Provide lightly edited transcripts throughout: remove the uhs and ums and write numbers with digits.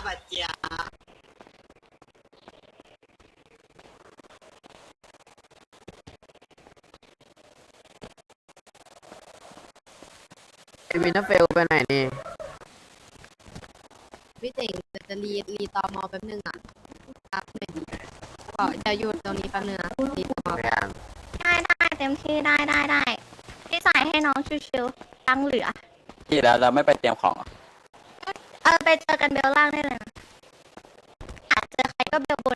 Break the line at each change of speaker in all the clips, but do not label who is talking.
บัดเจีย
ไอวินเทอร์เฟลไปไหนนี่
พี่เจ๋งจะรีตอมอแป๊บนึงอ่ะครับหน่อยดีก็จะหยุดตรงนี้แป๊บนึงนะรีตอมอ
พยายาม
ได้เต็มที่ได้พี่ใส่ให้น้องชิวๆตังเหลือ
ที่แล้วเราไม่ไปเตรียมของ
ไปเจอกันเบลล่างได้เลยนะอยากเจอใครก็เบลบน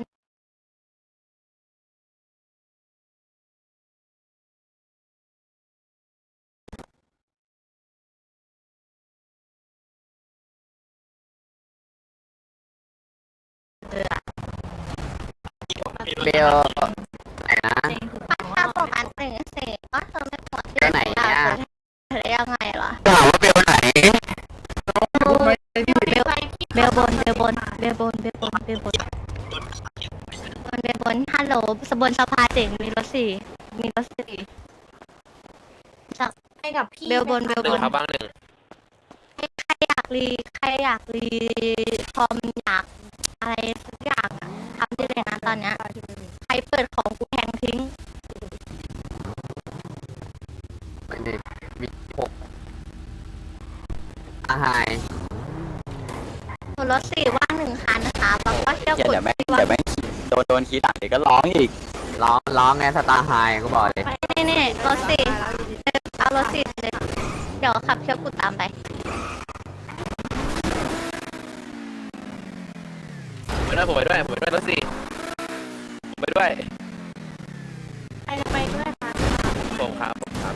เออ
เบลไหนนะ
ถ้าโฟกัส1 4ก็เธอไม่หมดที่
ไปไหนเนี่ย
เธอได้ยังไงล่ะ
ถามว่าเบลไหน
เบลบนฮัลโหลบนสภาเจ๋งมีรถสี่จาก
ให้กับพี่
เบลบน
ครับบ้างหนึ่ง
ใครอยากรีคอมอยากอะไรสักอย่างอะทำได้เลยนะตอนเนี้ยใครเปิดของกูแทงทิ้ง
ไม่ได้มี6อาหาย
รถสี่ว่าง1 คันนะคะแล้วก็เที่ยว
เดี๋
กุด
ยวแม่งโดนขี้ต่างเดี๋ยวก็ร้องอีก
ร้องไงสตาร์ไฮก็บอกเลย
นี่รถสี่เอารถสี่เลยเดี๋ยวขับเที่ยวกุดตามไป
ผมไปด้วยรถสี่ผมไปด้วย
ใครจะไปด้วยคะ
ผมครับ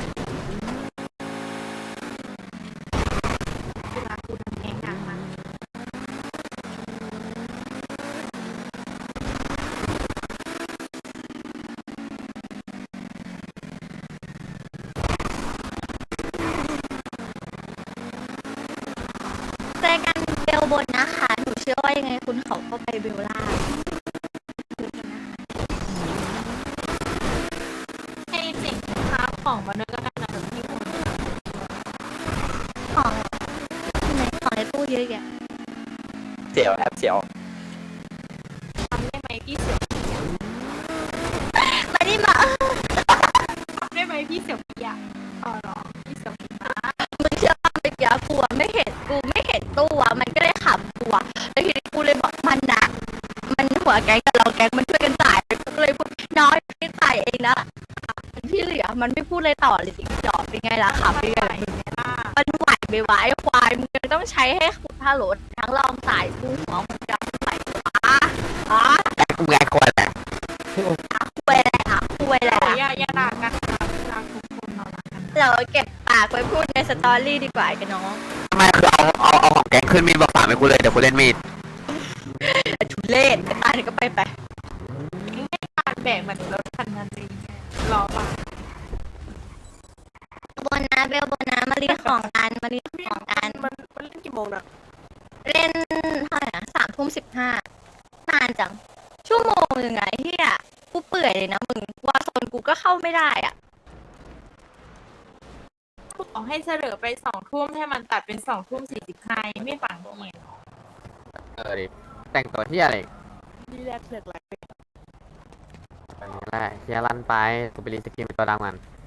เวลาคุณทำเองอย่างมัน
เจอกันเบลบนนะคะหนูเชื่อว่ายังไงคุณเขาก็ไปเบลล่าง
ให้สิ่งค้าของมาด้วยก็ได้นะแบบพี่คน
ของที่ไหนของในตู้เยอะแยะ
เสียวแอบเสียว
ทำได้ไหมพี่เสี่ยว
มาดิมา
ทำได้ไหมพี่เสี่ยวพี่อะอ๋อเหรอพี่เสี่ยวพี่นะ
มึงเชื่อป่ะเมื่อกี้กูอะไม่เห็นตู้อะมันก็เลยขับกูอะแล้วทีนี้กูเลยบอกมันนะมันหัวแก๊งกับเราแก๊งมันช่วยกันจ่ายกูก็เลยพูดน้อยพี่จ่ายเองนะที่เหลือมันไม่พูดเลยต่อเลยจริงจอบเป็นไงล่ะขับเป็นไงล่ะมึง
ล่า
มันไหวไม่ไหวควายมึงยังต้องใช้ให้ขุดผ้าโหลดทั้งรองสายกูหัวมึงจะไหวอ๋อ
แต่กูไงคนแหละ
คุยแหละคุยแหละ
อย่าด่ากันนะรักทุกคนเรารักกัน
เราเก็บปากไว้พูดในสตอรี่ดีกว่ากันน้อง
ทำไมคือเอาของแกงขึ้นมีดบอกฝากให้กูเลยเดี๋ยวกูเล่นมีด
ทุเล่นไปตายก็ไป
ไม่การแบกเหมือนรถคันนั้นจริงรอป่ะ
บนนะเบลบนนะมารีของกันมันเล่นกี่โมงนะเล่นเท่าไหร่นะ3:15นานจังชั่วโมงยังไงเฮียกูเปื่อยเลยนะมึงวาโซนกูก็เข้าไม่ได้อ่ะ
ขอให้เฉลยไป2 ทุ่มให้มันตัดเป็น2:45ไม่ฝังเอง
ดิแต่งตัวที่อะไร
นี่แรกเลือกอะไร
แบบนี้แหละเฮียลั่นไปกูไปรีสกินเป็นตัวดำกัน